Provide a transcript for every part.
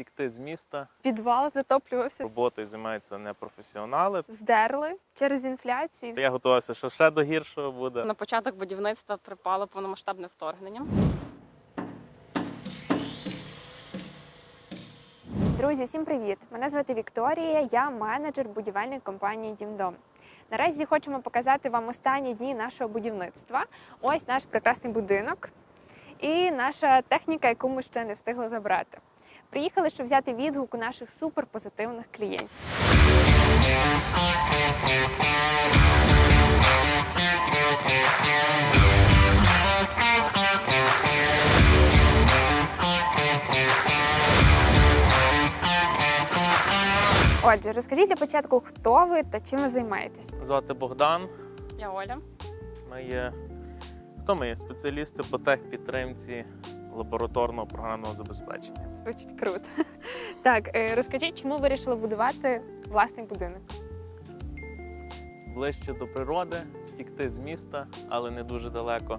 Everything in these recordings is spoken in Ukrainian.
втікти з міста. Підвал затоплювався. Роботою займаються непрофесіонали. Здерли через інфляцію. Я готувався, що ще до гіршого буде. На початок будівництва припало повномасштабне вторгнення. Друзі, всім привіт! Мене звати Вікторія, я менеджер будівельної компанії «Дімдом». Наразі хочемо показати вам останні дні нашого будівництва. Ось наш прекрасний будинок і наша техніка, яку ми ще не встигли забрати. Приїхали, щоб взяти відгук у наших суперпозитивних клієнтів. Отже, розкажіть для початку, хто ви та чим ви займаєтесь? Звати Богдан. Я Оля. Хто ми є? Спеціалісти по техпідтримці лабораторного програмного забезпечення. Звучить круто. Так, розкажіть, чому вирішили будувати власний будинок? Ближче до природи, втікти з міста, але не дуже далеко.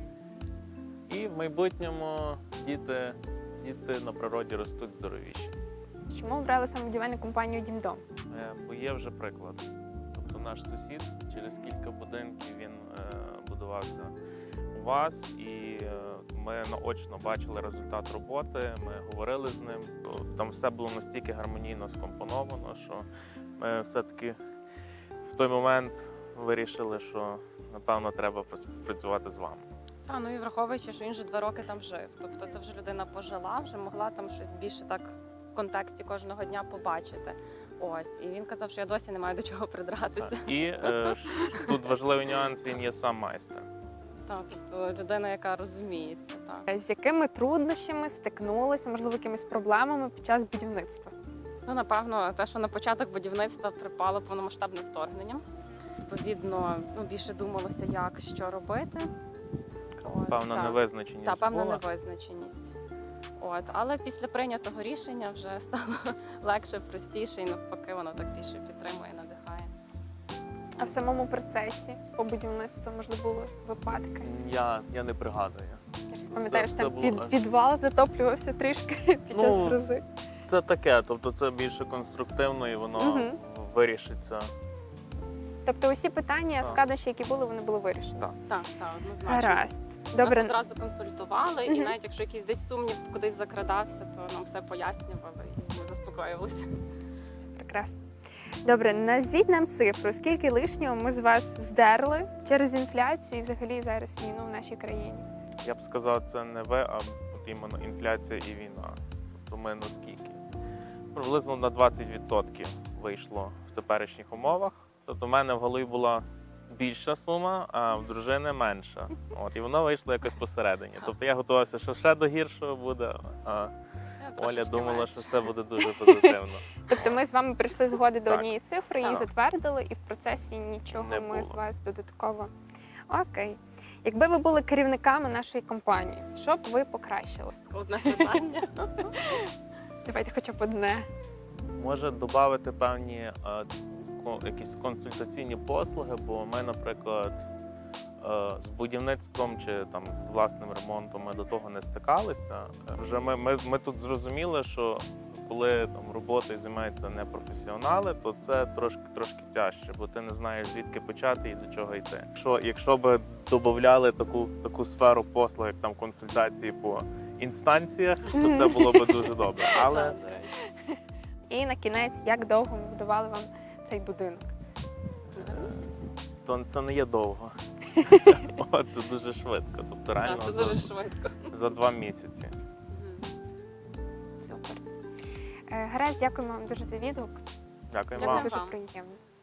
І в майбутньому діти на природі ростуть здоровіші. Чому обрали саме будівельну компанію «Дімдом»? Бо є вже приклад. Тобто наш сусід через кілька будинків він будувався у вас, і ми наочно бачили результат роботи, ми говорили з ним. Там все було настільки гармонійно скомпоновано, що ми все-таки в той момент вирішили, що напевно треба працювати з вами. Ну і враховуючи, що він вже 2 роки там жив. Тобто це вже людина пожила, вже могла там щось більше так в контексті кожного дня побачити. Ось, і він казав, що я досі не маю до чого придратися. Так. І тут важливий нюанс, він є сам майстер. Так, тобто людина, яка розуміється. Так. З якими труднощами стикнулися, можливо, якимись проблемами під час будівництва? Напевно, те, що на початок будівництва припало повномасштабне вторгнення. Відповідно, більше думалося, як, що робити. Певна невизначеність. Так, певна була. невизначеність. Але після прийнятого рішення вже стало легше, простіше, і навпаки, воно так більше підтримує, надихає. А в самому процесі по будівництву, можливо, були випадки? Я не пригадую. Я ж пам'ятаю, що там було. підвал затоплювався трішки під час грози. Це таке, тобто це більше конструктивно і воно вирішиться. Тобто усі питання, складнощі, які були, вони були вирішені? Так, однозначно. Гаразд. Нас одразу консультували, і навіть якщо якийсь десь сумнів кудись закрадався, то нам все пояснювали і ми заспокоювалися. Це прекрасно. Добре, назвіть нам цифру, скільки лишнього ми з вас здерли через інфляцію і взагалі зараз війну в нашій країні? Я б сказав, це не ви, а от іменно інфляція і війна. Тобто ми наскільки? Приблизно на 20% вийшло в теперішніх умовах. Тобто в мене в голові була більша сума, а в дружини менша. І воно вийшло якось посередині. Тобто я готувався, що ще до гіршого буде, а Оля думала, що все буде дуже позитивно. Тобто ми з вами прийшли згоди до Так. однієї цифри, її затвердили, і в процесі нічого Не ми було. з вас додатково. Окей. Якби ви були керівниками нашої компанії, що б ви покращили? Складне питання. Давайте хоча б одне. Може додати певні якісь консультаційні послуги, бо ми, наприклад, з будівництвом чи там з власним ремонтом ми до того не стикалися. Вже ми тут зрозуміли, що коли там роботою займаються непрофесіонали, то це трошки тяжче, бо ти не знаєш, звідки почати і до чого йти. Якщо б додавали таку сферу послуг, як там консультації по інстанціях, то це було б дуже добре. Але І на кінець, як довго ми будували вам цей будинок? 2 місяці. то це не є довго. Це дуже швидко. Тобто реально Це дуже швидко. за 2 місяці. Супер. Гаразд, дякуємо вам дуже за відгук. Дякую Дякую вам. Дуже вам. приємно.